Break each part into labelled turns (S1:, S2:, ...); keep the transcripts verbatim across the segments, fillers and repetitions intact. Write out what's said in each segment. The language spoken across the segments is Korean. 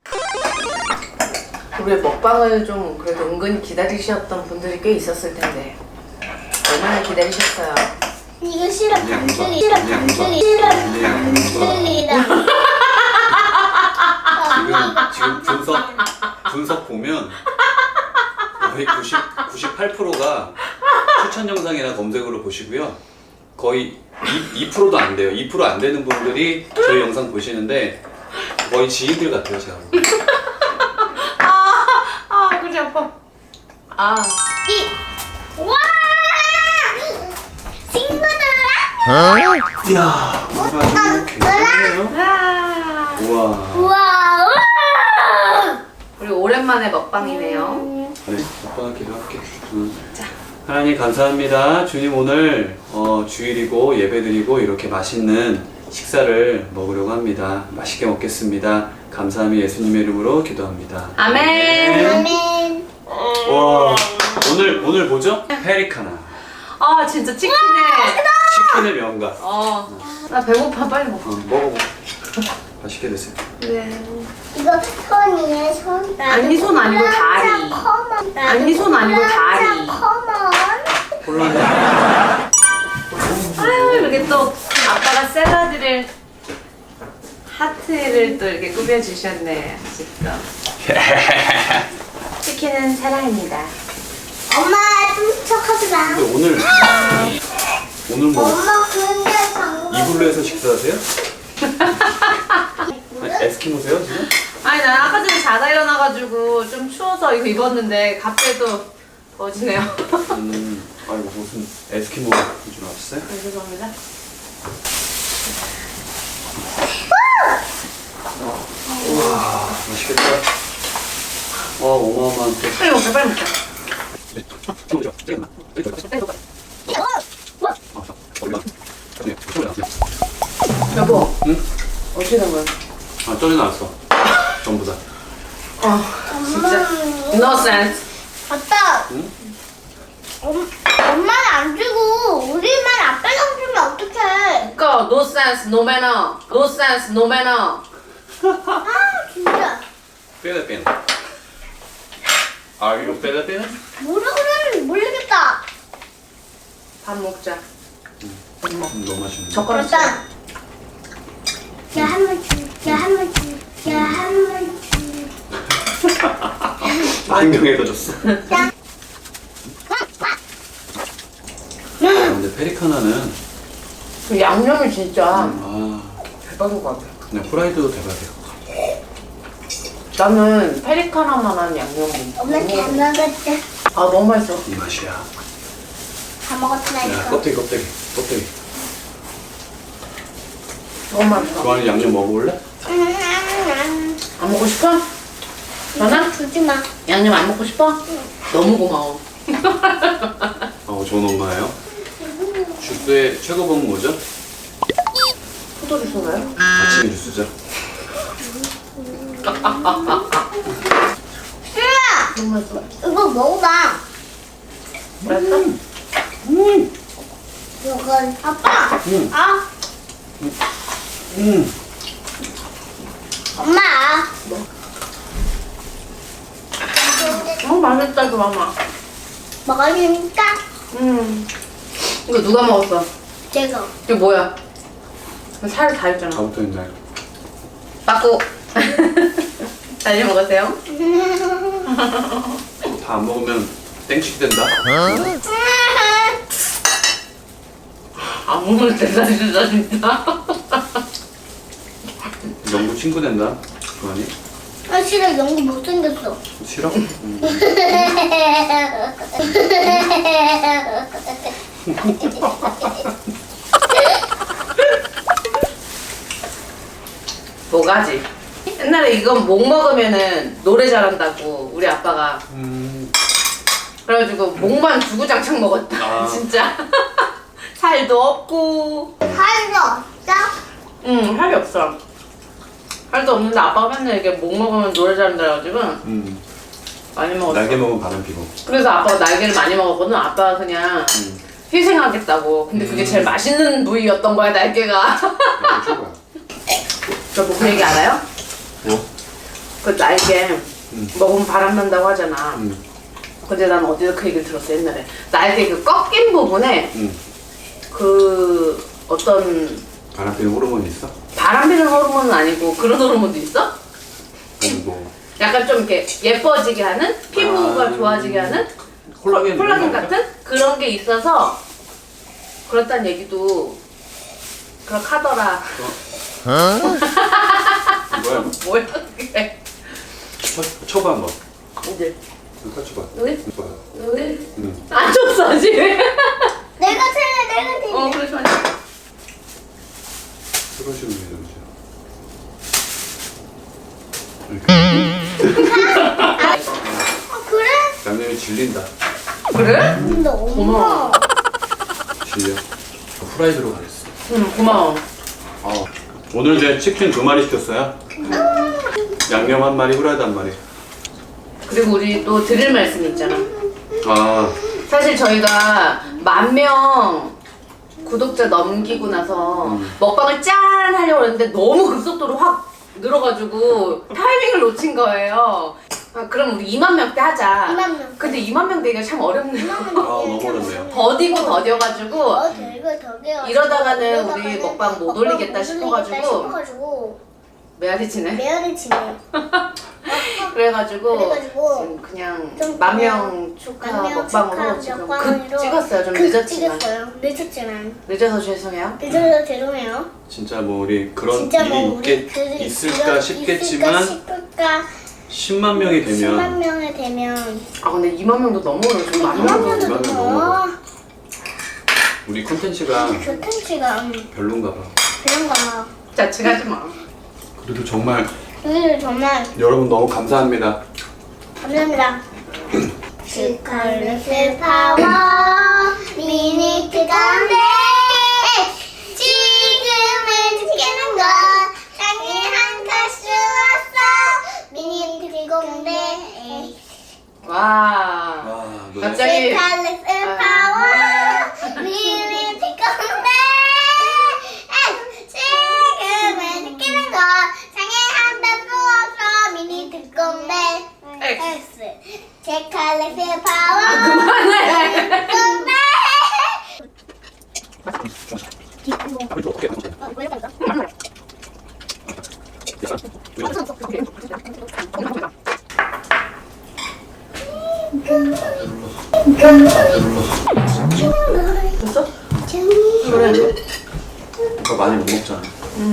S1: 우리의 먹방을 좀 그래도 은근히 기다리셨던 분들이 꽤 있었을 텐데 얼마나 기다리셨어요?
S2: 이거 싫어 반줄이 싫어 반줄이 싫어 반줄이다.
S3: 지금 지금 분석 분석 보면 거의 구십 구십팔 퍼센트가 추천 영상이나 검색으로 보시고요. 거의 이 퍼센트도 안 돼요. 이 퍼센트 안 되는 분들이 저희 영상 보시는데 거의 지인들 같아요, 제가.
S1: 아, 아, 그지 아파. 아,
S2: 이 와! 친구들아!
S3: 이야, 뭔가 굉장해요.
S1: 아.
S3: 우와.
S2: 우와! 우와!
S1: 우리 오랜만에 먹방이네요.
S3: 네, 오빠가 기도할게. 응.
S1: 자.
S3: 하나님 감사합니다. 주님 오늘 어, 주일이고 예배드리고 이렇게 맛있는 식사를 먹으려고 합니다. 맛있게 먹겠습니다. 감사함이 예수님의 이름으로 기도합니다.
S1: 아멘.
S2: 아멘.
S3: 와, 오늘 오늘 뭐죠? 페리카나.
S1: 아, 진짜 치킨에.
S3: 치킨의 명가.
S1: 어, 나 배고파 빨리 먹어.
S3: 어, 먹어보. 맛있게 드세요.
S1: 네.
S2: 이거 손이에요, 손.
S1: 아니, 손 아니고 다리.
S2: 커먼.
S1: 아니, 손 아니고 다리.
S2: 커먼.
S3: 콜라네.
S1: 아유, 이렇게 또 아빠가 샐러드를 하트를 또 이렇게 꾸며주셨네. 진짜. 치킨은 사랑입니다.
S2: 엄마 훔쳐가지 마.
S3: 근데 오늘 오늘 뭐
S2: 엄마 근데 방금.
S3: 이불로에서 식사하세요? 아니, 에스키모세요 지금?
S1: 아니, 난 아까 전에 자다 일어나가지고 좀 추워서 이거 입었는데 갑자기 또 더워지네요.
S3: 음, 아이고 무슨 에스키모인 줄 알았어요?
S1: 네, 죄송합니다.
S3: 와, 맛있겠다. 와, 어마어마한 또.
S1: 빨리 먹자, 빨리 먹자. 여보,
S3: 응?
S1: 어떻게 된 거야?
S3: 아, 쪄져 나왔어. 전부 다.
S1: 어, 진짜. No sense.
S2: 아빠.
S3: 응?
S2: 엄, 엄마는 안 주고 우리만 아빠랑 주면 어떡해?
S1: 그니까 no sense, no manner. No sense, no manner.
S2: 아 진짜.
S3: 빼다 빼는. 아, 이거 빼다 빼는?
S2: 뭐라 그러는지 모르겠다.
S1: 밥 먹자.
S3: 음, 너무 맛있네.
S1: 젓가락
S2: 일단 야 한번 주, 야 한번 주, 야 한번 주.
S3: 한 명에다 줬어.
S2: 야.
S3: 아, 근데 페리카나는
S1: 그 양념이 진짜
S3: 아,
S1: 대박인 것 같아.
S3: 그냥 후라이드도 대박이에요.
S1: 나는 페리카나만한 양념이.
S2: 엄마 잘 먹었다.
S1: 아, 너무 맛있어.
S3: 이 맛이야.
S2: 다
S3: 야,
S2: 먹었다니까.
S3: 껍데기 껍데기 껍데기.
S1: 너무 맛있어.
S3: 그 안에 양념 먹어볼래?
S2: 음,
S1: 안 먹고 싶어? 전화?
S2: 주지 마.
S1: 양념 안 먹고 싶어? 너무 고마워.
S3: 어, 좋은 엄마예요. 주스의 최고봉은 뭐죠?
S1: 포도주스인가요?
S3: 아침 주스죠.
S2: 싫어.
S1: 너무 맛있어.
S2: 이거 먹어봐.
S1: 맛있어?
S3: 음,
S2: 이건 아빠.
S3: 음.
S2: 아
S3: 음.
S2: 엄마.
S1: 어, 맛있다, 이거 마마.
S2: 먹으니까
S1: 음. 이거 누가 먹었어?
S2: 제가.
S1: 이게 뭐야? 살 다 있잖아.
S3: 다부터 있나요?
S1: 빠꾸. 잘 먹으세요?
S3: 다 안 먹으면 땡치기 된다.
S1: 안 먹을 때다 진짜 진짜.
S3: 영구 친구 된다. 그거니?
S2: 아 싫어 연구 못생겼어.
S3: 싫어? 음.
S1: 뭐가지? 옛날에 이거 목 먹으면은 노래 잘한다고 우리 아빠가
S3: 음.
S1: 그래가지고 목만 주구장창 먹었다.
S3: 아.
S1: 진짜. 살도 없고.
S2: 살도 없어?
S1: 응, 살이 없어. 살도 없는데 아빠가 맨날 이렇게 목 먹으면 노래 잘한다 해가지고
S3: 음.
S1: 많이 먹었어.
S3: 날개 먹으면 바람 피고.
S1: 그래서 아빠가 날개를 많이 먹었거든. 아빠가 그냥
S3: 음.
S1: 희생하겠다고. 근데 그게
S3: 음.
S1: 제일 맛있는 부위였던 거야, 날개가.
S3: 날개 최고야.
S1: 저 뭐 그 얘기 알아요?
S3: 뭐?
S1: 그 날개
S3: 음.
S1: 먹으면 바람 난다고 하잖아.
S3: 음.
S1: 근데 난 어디서 그 얘기를 들었어 옛날에. 날개 그 꺾인 부분에
S3: 음.
S1: 그 어떤
S3: 바람 피는 호르몬이 있어?
S1: 바람 피는 호르몬은 아니고 그런 호르몬도 있어?
S3: 아니 뭐
S1: 약간 좀 이렇게 예뻐지게 하는 피부가
S3: 아,
S1: 좋아지게 하는
S3: 콜라겐
S1: 콜라겐
S3: 이런 거
S1: 같은 그런 게 있어서 그렇다는 얘기도 그렇게 하더라.
S3: 뭐야?
S1: 뭐야 그게?
S3: 쳐, 쳐봐 한번.
S1: 이제
S3: 이거 쳐봐.
S1: 여기?
S3: 이거 봐.
S1: 여기
S3: 응.
S1: 안 줬어 아직.
S2: 내가 틀려 내가 틀려.
S1: 어 그래 좋아.
S3: 그런 식으로 해 주세요.
S2: 어, 그래?
S3: 양념이 질린다.
S1: 그래?
S2: 근데 엄마.
S1: 고마워.
S3: 질려. 후라이드로 가겠어.
S1: 응 고마워.
S3: 아, 오늘 이제 치킨 두 마리 시켰어요. 양념 한 마리, 후라이드 한 마리.
S1: 그리고 우리 또 드릴 말씀이 있잖아.
S3: 아,
S1: 사실 저희가 만 명 구독자 넘기고 나서
S3: 음.
S1: 먹방을 짠 하려고 했는데 너무 급속도로 확 늘어가지고 타이밍을 놓친 거예요. 아, 그럼 우리 이만 명대 하자.
S2: 이만 명.
S1: 근데 이만 명 되기가 참 어렵네요.
S3: 아 너무 어렵네요.
S1: 더디고 더뎌가지고
S2: 어, 들고 더게요.
S1: 이러다가는 우리 먹방 못 올리겠다 싶어가지고
S2: 싶어가지고
S1: 메아리 치네.
S2: 메아리 치네.
S1: 그래가지고,
S2: 그래가지고
S1: 지금 그냥
S2: 좀
S1: 만 명 축하
S2: 만 명
S1: 먹방으로
S2: 축하
S1: 지금
S2: 먹방으로
S1: 급 찍었어요. 좀
S2: 급
S1: 늦었지만.
S2: 찍었어요. 늦었지만.
S1: 늦어서 죄송해요.
S2: 늦어서 죄송해요.
S3: 진짜 뭐 우리 그런
S2: 진짜
S3: 일이
S2: 뭐 우리
S3: 있겠,
S2: 그-
S3: 있을까
S2: 이런-
S3: 싶겠지만
S2: 있을까 싶을까
S3: 십만 명이 되면
S2: 십만 명이 되면
S1: 아 근데 이만 명도 너무 어려워. 지금 만
S2: 이만
S1: 명도
S2: 명도
S3: 이만 명
S2: 넘어.
S3: 넘어. 우리 콘텐츠가
S2: 교텐치가 음,
S3: 별론가 봐.
S2: 그런가.
S1: 자책하지 마.
S3: 그래도 정말
S2: 오늘 정말
S3: 여러분 너무 감사합니다.
S2: 감사합니다. 스컬렛의 파워 미니트 건데 지금은 지키는 것 땅에 한칼수 왔어 미니트 공대
S1: 와.
S3: 와, 노래.
S1: 갑자기
S2: 스컬렛의 파워 미니트 건데 지금은 지키는 것 땅에 한칼수 왔어 미니트 공대
S1: 엑스.
S2: 제 칼렉의 파워
S1: 그만해.
S2: 공대
S1: 됐어? 그래.
S3: 그거 많이 못 먹잖아.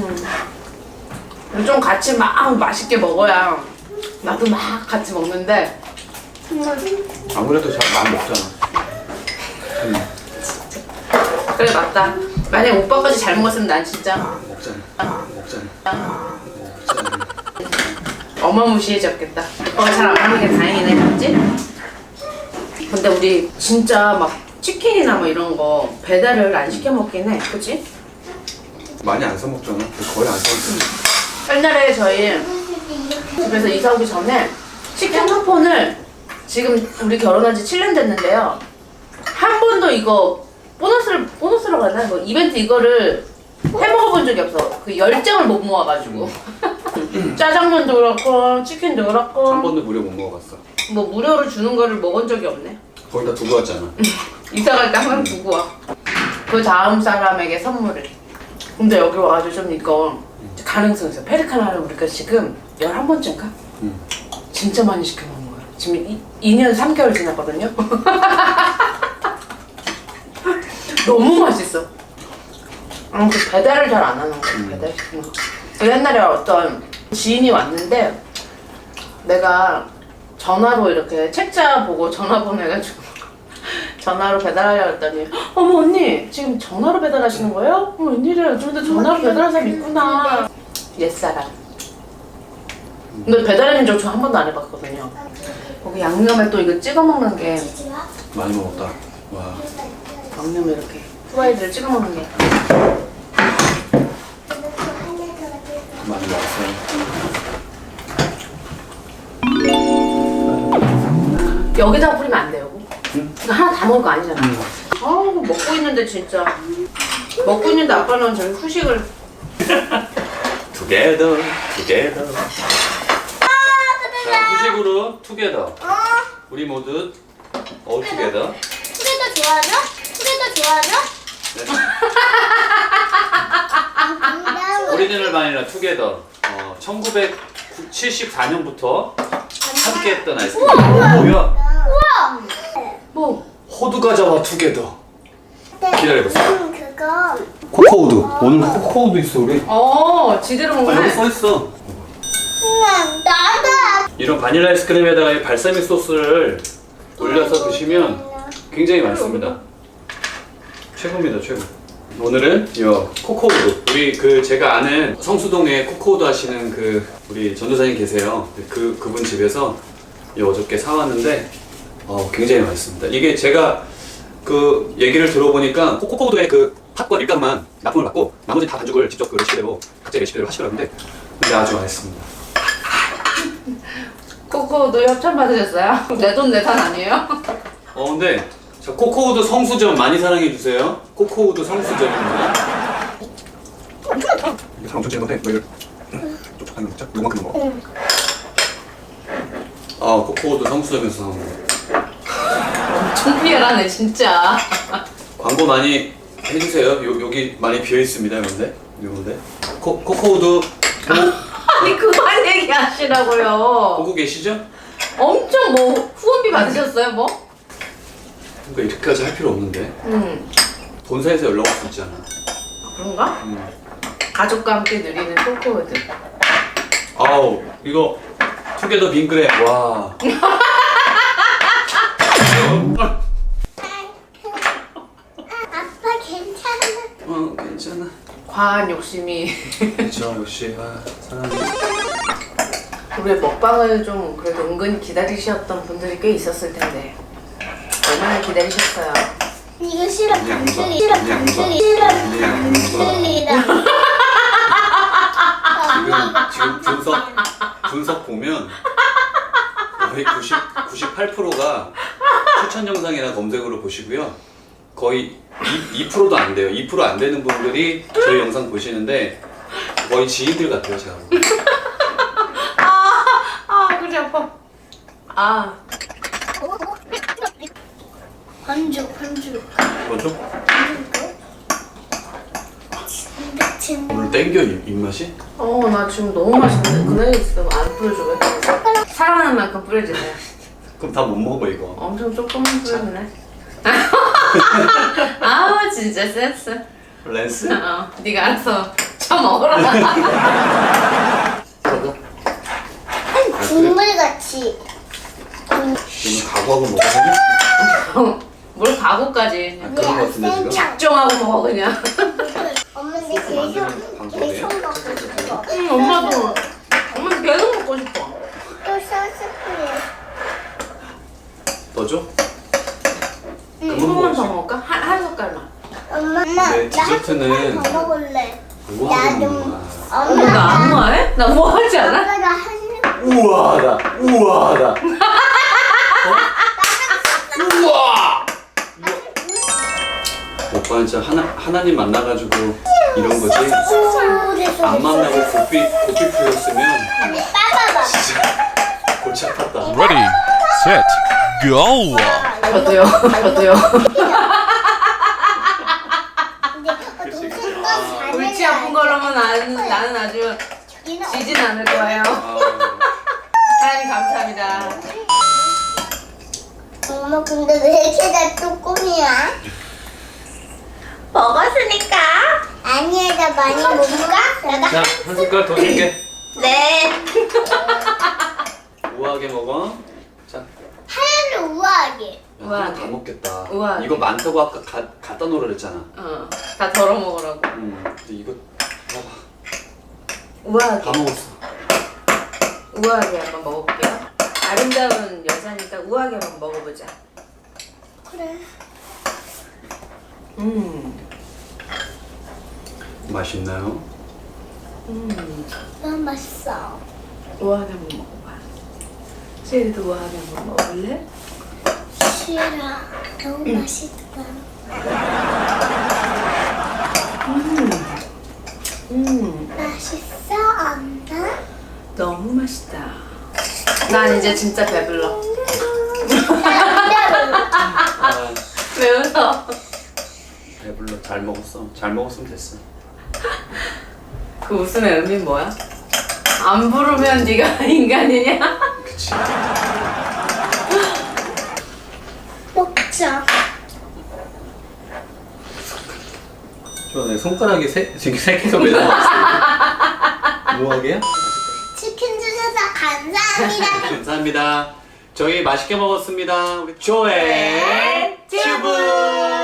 S1: 좀 같이 막 맛있게 먹어야 나도 막 같이 먹는데
S3: 아무래도 잘 많이 먹잖아. 음,
S1: 그래 맞다. 만약에 오빠까지 잘 먹었으면 난 진짜
S3: 먹잖아. 먹잖아. 먹잖아.
S1: 어마무시해졌겠다. 오빠가 잘 안 먹는 게 다행이네, 맞지? 근데 우리 진짜 막 치킨이나 뭐 이런 거 배달을 안 시켜 먹긴 해, 그치?
S3: 많이 안 사 먹잖아. 거의 안 사 먹잖아.
S1: 옛날에 저희 집에서 이사 오기 전에 치킨 쿠폰을 지금 우리 결혼한 지 칠 년 됐는데요. 한 번도 이거 보너스를, 보너스라고 하나? 뭐 이벤트 이거를 해 먹어본 적이 없어. 그 열정을 못 모아가지고. 짜장면도 그렇고, 치킨도 그렇고.
S3: 한 번도 무료 못 먹어봤어.
S1: 뭐 무료로 주는 거를 먹은 적이 없네.
S3: 거기다 두고 왔잖아.
S1: 이사 갈 때 항상 두고 와. 그 다음 사람에게 선물을. 근데 여기 와가지고 좀 이거 가능성 있어. 페리카나를 우리가 지금 열한 번째인가?
S3: 응.
S1: 진짜 많이 시켜 먹는 거야. 지금 이, 이 년 삼 개월 지났거든요. 너무 맛있어. 아, 그 배달을 잘 안 하는 거야.
S3: 음.
S1: 배달 시키는 거. 그 옛날에 어떤 지인이 왔는데 내가 전화로 이렇게 책자 보고 전화번호 해가지고 전화로 배달하려고 했더니 어머 언니 지금 전화로 배달하시는 거예요? 어 웬일이야 요즘도 전화로 배달하는 사람 있구나. 옛사람. 근데 배달하는 적 저 한 번도 안 해봤거든요. 거기 양념에 또 이거 찍어 먹는 게
S3: 많이 먹었다. 와.
S1: 양념에 이렇게 후라이드를 찍어 먹는 게
S3: 많이 먹었어요.
S1: 여기다가 뿌리면 안 돼요.
S3: 응?
S1: 이거 하나 다 먹을 거 아니잖아.
S3: 응.
S1: 아우 먹고 있는데 진짜 먹고 있는데 아빠는 저기 후식을
S3: Together, together. 후식으로 투게더.
S2: 어?
S3: 우리 모두 all together.
S2: 투게더 좋아하죠? 투게더 좋아하죠?
S3: 네.
S2: 아,
S3: 오리지널 바닐라 투게더. 어, 천구백칠십사 년부터 함께했던 아이스크림. 어, 뭐야?
S2: 우와!
S1: 뭐?
S3: 호두 과자와 투게더. 기다려보세요.
S2: 음, 그거
S3: 코코우드. 오늘 코코우드 있어 우리.
S1: 어, 지대로
S3: 아, 여기
S1: 먹네.
S3: 써 있어.
S2: 음, 나도
S3: 이런 바닐라 아이스크림에다가 이 발사믹 소스를 올려서 드시면 굉장히 맛있습니다. 최고입니다, 최고. 오늘은 이 코코우드. 우리 그 제가 아는 성수동에 코코우드 하시는 그 우리 전도사님 계세요. 그 그분 집에서 이 어저께 사왔는데 어, 굉장히 맛있습니다. 이게 제가 그 얘기를 들어보니까 코코우드의 그 팥과 밀가루만 납품을 받고 나머지 다 반죽을 직접 그 레시피대로 각자 레시피대로 하시더라고요. 근데 근데 아주 맛있습니다.
S1: 코코도 협찬 받으셨어요? 내 돈 내산 아니에요?
S3: 어 근데 자, 코코우드 성수점 많이 사랑해 주세요. 코코우드 성수점입니다.
S4: 이게 사람 전체인 건데 너 이걸 촉촉하는 거죠? 요만큼 먹어.
S3: 아 코코우드 성수점에서 사온 거.
S1: 엄청 피해라네 진짜.
S3: 광고 많이 해주세요. 요, 여기 많이 비어 있습니다. 요런데 요런데 코 코코우드
S1: 아니 그만 얘기하시라고요.
S3: 보고 계시죠?
S1: 엄청 뭐 후원비 받으셨어요 뭐?
S3: 그러니까 이렇게까지 할 필요 없는데
S1: 음
S3: 본사에서 연락 올 수 있잖아.
S1: 그런가?
S3: 음.
S1: 가족과 함께 누리는 코코우드.
S3: 아우 이거 투게더 빙그레 와.
S2: 아빠 괜찮아.
S3: 어 괜찮아.
S1: 과한 욕심이
S3: 그렇죠 역시 아, 사랑해.
S1: 우리의 먹방을 좀 그래도 은근히 기다리셨던 분들이 꽤 있었을 텐데 얼마나 기다리셨어요?
S2: 이거 싫어
S3: 이 양반,
S2: 반죽이
S3: 이
S2: 싫어
S3: 양반,
S2: 반죽이 싫어
S3: 이 양반.
S2: 반죽이다.
S3: 지금 지금 분석 분석 보면 거의 구십 구십팔 퍼센트가 추천 영상이나 검색으로 보시고요. 거의 이 퍼센트도 안 돼요. 이 퍼센트 안 되는 분들이 저희 영상 보시는데 거의 지인들 같아요, 제가. 보기엔.
S1: 아 그래 아파. 아
S2: 반죽 반죽
S3: 뭐죠?
S2: 진짜 진짜.
S3: 오늘 땡겨 입, 입맛이?
S1: 어, 나 지금 너무 맛있는데 그네 있으면 안 뿌려줘 왜? 사랑하는 만큼 뿌려주세요.
S3: 그럼 다 못 먹어 이거.
S1: 엄청 조금만 뿌려주네. 아우 진짜 센스.
S3: 랜스?
S1: 어, 네가 알아서 처먹어라.
S2: 국물같이.
S3: 이거 각오하고 먹어.
S1: 뭘 가구까지
S3: 아, 그런 거 같은데 지금?
S1: 작정하고 먹어 그냥.
S2: 엄마 근데 계속
S3: 만드는 방법이에요?
S2: 계속 먹고 싶어.
S1: 응, 엄마도 엄마도 계속 먹고 싶어.
S2: 또 소스 뿌려.
S3: 넣어줘?
S1: 응,
S3: 그건
S1: 조금만 더
S3: 뭐지?
S1: 먹을까? 한, 한 숟갈만.
S2: 엄마, 엄마,
S3: 네,
S2: 나
S3: 디저트는
S2: 한 숟갈 더 먹을래.
S3: 뭐 하는
S2: 나도.
S3: 거야?
S1: 어,
S2: 엄마,
S1: 나 안무해? 나 뭐 하지 않아?
S2: 엄마가 한
S3: 우와하다 우와하다. 어? 우와! 오빠 진짜 하나, 하나님 만나가지고 이런 거지.
S2: 숟갈에서
S3: 안 만나고 고삐 고삐 풀렸으면
S2: 빠바바.
S3: 진짜 골치 아팠다.
S4: Ready, set, go.
S1: 저도요. 저도요.
S2: 근데 어, 동생과 잘해.
S1: 골치 아픈 걸로만 나는, 나는 아주 지진 않을 거예요.
S3: 아,
S1: 하나님 감사합니다.
S2: 엄마 근데 왜 이렇게 나 쪼꼬미야?
S1: 먹었으니까.
S2: 아니야 나 많이 못 먹어. 내가
S3: 자, 한 숟갈 더 줄게.
S1: 네.
S3: 우아하게 먹어. 자,
S2: 하얀을 우아하게.
S3: 야,
S1: 우아하게.
S3: 이거 다 먹겠다.
S1: 우아하게.
S3: 이거 많다고 아까 가, 갖다 놓으라 그랬잖아.
S1: 어, 다 덜어 먹으라고.
S3: 음, 근데 이거 봐봐.
S1: 우아하게.
S3: 다 먹었어.
S1: 우아하게 한번 먹어볼게요. 아름다운 여자니까 우아하게 한번 먹어보자.
S2: 그래.
S1: 음,
S3: 맛있나요?
S1: 음,
S2: 너무 맛있어.
S1: 우아하게 한번 먹어봐. 시리도 우아하게 한번 먹을래?
S2: 싫어. 너무 맛있다.
S1: 음, 음,
S2: 맛있어 엄마?
S1: 너무 맛있다. 난 이제 진짜 배불러.
S3: 아,
S1: 왜 웃어?
S3: 배불러. 잘 먹었어. 잘 먹었으면 됐어.
S1: 그 웃음의 의미는 뭐야? 안 부르면 네가 인간이냐?
S3: 그치.
S2: 먹자.
S3: 좋아, 내 손가락이 세, 지금 세 개가 매달렸어. 뭐하게요?
S2: 치킨 주셔서 감사합니다.
S3: 감사합니다. 저희 맛있게 먹었습니다. 우리 조의 튜브.